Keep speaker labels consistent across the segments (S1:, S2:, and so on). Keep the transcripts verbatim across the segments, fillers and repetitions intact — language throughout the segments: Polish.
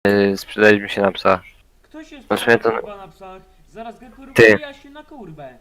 S1: Yy, sprzedaliśmy się na psa.
S2: Kto się
S1: No,
S2: sprawdza
S1: to-
S2: kurwa na psach? Zaraz go kurwa
S1: Ty.
S2: się na kurwę.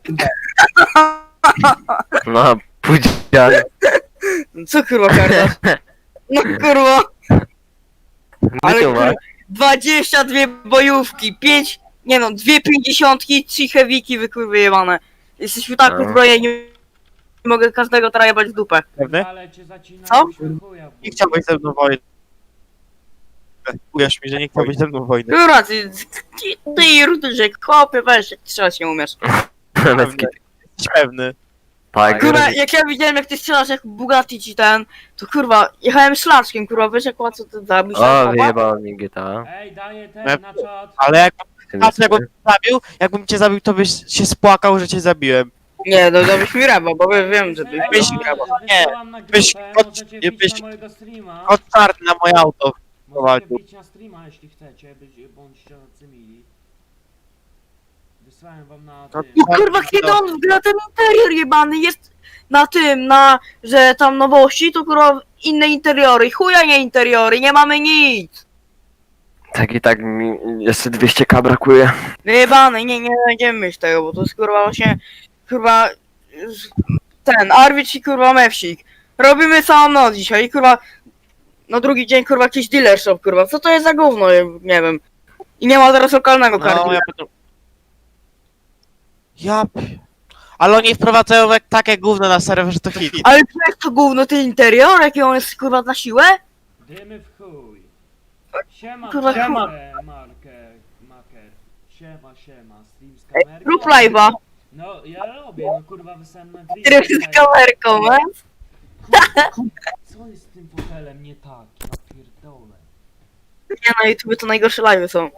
S1: No, pudzian.
S3: Co kurwa kardasz? No kurwa, ale
S1: Gdzie
S3: kurwa,
S1: ma?
S3: dwadzieścia dwie bojówki, pięć, nie no, dwie pięćdziesiątki, trzy heaviki wykurwy jebane. Jesteśmy tak
S1: No.
S3: uzbrojeni, nie mogę każdego trajebać w dupę.
S4: Pewny?
S2: Ale cię zacina
S3: Co?
S2: chuja.
S4: Nie chciałbyś ze mną wojny. Uwierz mi, że nie chciałbyś ze mną wojny.
S3: Kurwa, ty, ty, ty rudyżek, chłopie, weź, jak strzelać nie umiesz.
S1: Bez kitu.
S4: Jesteś pewny.
S1: Tak,
S3: Kurwa, jak ja widziałem jak ty strzelasz jak Bugatti ci ten, to kurwa, jechałem szlaczkiem, kurwa, wiesz jak łatwo to zabić?
S1: O, wyjebało mi G T A.
S2: Ej, daję ten
S4: Nie.
S2: na czat.
S4: Ale jak,
S1: Tym
S4: patrz, jakbym
S1: jest-
S4: cię zabił, jakbym cię zabił, to byś się spłakał, że cię zabiłem.
S3: Nie, no dałbyś mi reba, bo wiem, wiem że ty
S2: Ej,
S4: byś-
S2: no,
S4: nie,
S2: wysyłam na
S4: byś-
S2: grupę,
S4: kot-
S2: możecie
S4: nie,
S2: wbić
S4: byś-
S2: na mojego streama.
S4: Kot czarny na moje auto.
S2: Możecie
S4: prowadził.
S2: wbić na streama, jeśli chcecie, być, bądźcie tacy mili. Wysłałem wam na
S4: No,
S2: tym.
S3: No kurwa, kiedy on wgra ten interior jebany jest na tym, na, że tam nowości, to kurwa inne interiory, chuja nie interiory, nie mamy nic.
S1: Tak i tak mi jeszcze dwieście ka brakuje.
S3: Wyjebany, nie, nie będziemy mieć tego, bo to jest kurwa właśnie, kurwa, ten, Arwicz i kurwa Mewsik. Robimy całą noc dzisiaj i kurwa, na drugi dzień kurwa jakiś dealer shop, kurwa, co to jest za gówno, nie wiem. I nie ma teraz lokalnego
S4: No,
S3: karty.
S4: ja będę... Ja... p- Ale oni wprowadzają jak takie gówno na serwer, że to hit.
S3: Ale co jest to gówno, ten interior, jaki on jest kurwa na siłę?
S2: Dymy w chuj. Siema,
S3: Kurwa,
S2: siema.
S3: chuj.
S2: Marker, maker. Siema, siema. Stream z
S3: Ej,
S2: kamerką.
S3: rób live'a.
S2: No, ja robię, no kurwa, wysłałem na grid.
S3: Tryb z kamerką, e?
S2: Co jest z tym fotelem nie tak? Ja pierdolę.
S3: Nie, na YouTube to najgorsze live'y są.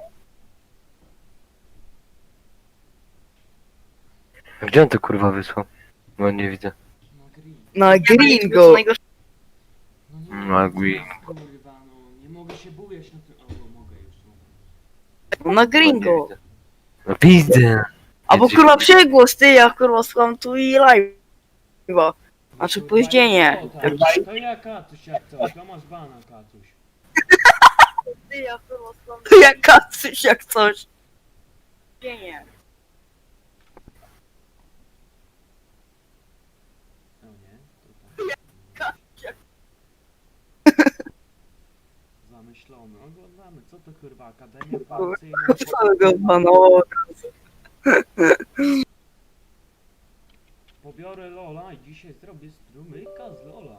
S1: Gdzie on to kurwa wysłał? No nie widzę.
S2: Na grid.
S3: Na Gringo.
S2: No nie
S1: Na
S2: mogę,
S1: grid.
S2: kurwa, no. Nie mogę się bujać na tym... O, mogę już, no.
S3: Na
S1: Nie
S3: Gringo.
S1: widzę. No widzę.
S3: Albo kurwa przegłos, ty, ja kurwa słucham tu i live'a. Znaczy
S2: Kurwa,
S3: późnienie.
S2: o, tak. To ja Katuś jak coś, to masz bana Katuś.
S3: Ty, ja kurwa słucham jak kacuś, jak coś. Późnienie.
S2: No nie, to tak. Zamyślony, oglądamy, co to kurwa, Akademia Policyjna...
S3: Całego banowo.
S2: Pobiorę Lola i dzisiaj zrobię strumyka z Lola.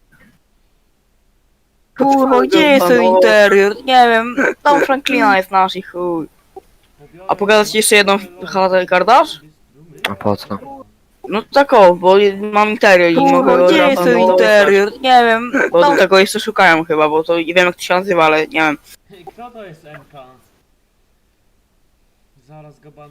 S3: Kurwa, gdzie jest ten interior? Nie wiem, tam Franklina jest nasz i chuj.
S2: Pobiorę
S3: A pogadać
S2: Lola,
S3: jeszcze jedną
S2: pobiorę Lola,
S3: chatę kardasz?
S2: zrobię strumyka.
S1: A po co?
S3: No tak o, bo mam interior i
S4: Kurwa,
S3: mogę go
S4: gdzie
S3: od
S4: jest
S3: razu
S4: ten
S3: dostać.
S4: interior?
S3: Nie wiem, bo tego jeszcze szukałem chyba, bo to nie wiem jak to się nazywa, ale nie wiem.
S2: Kto to jest M K? Zaraz go ban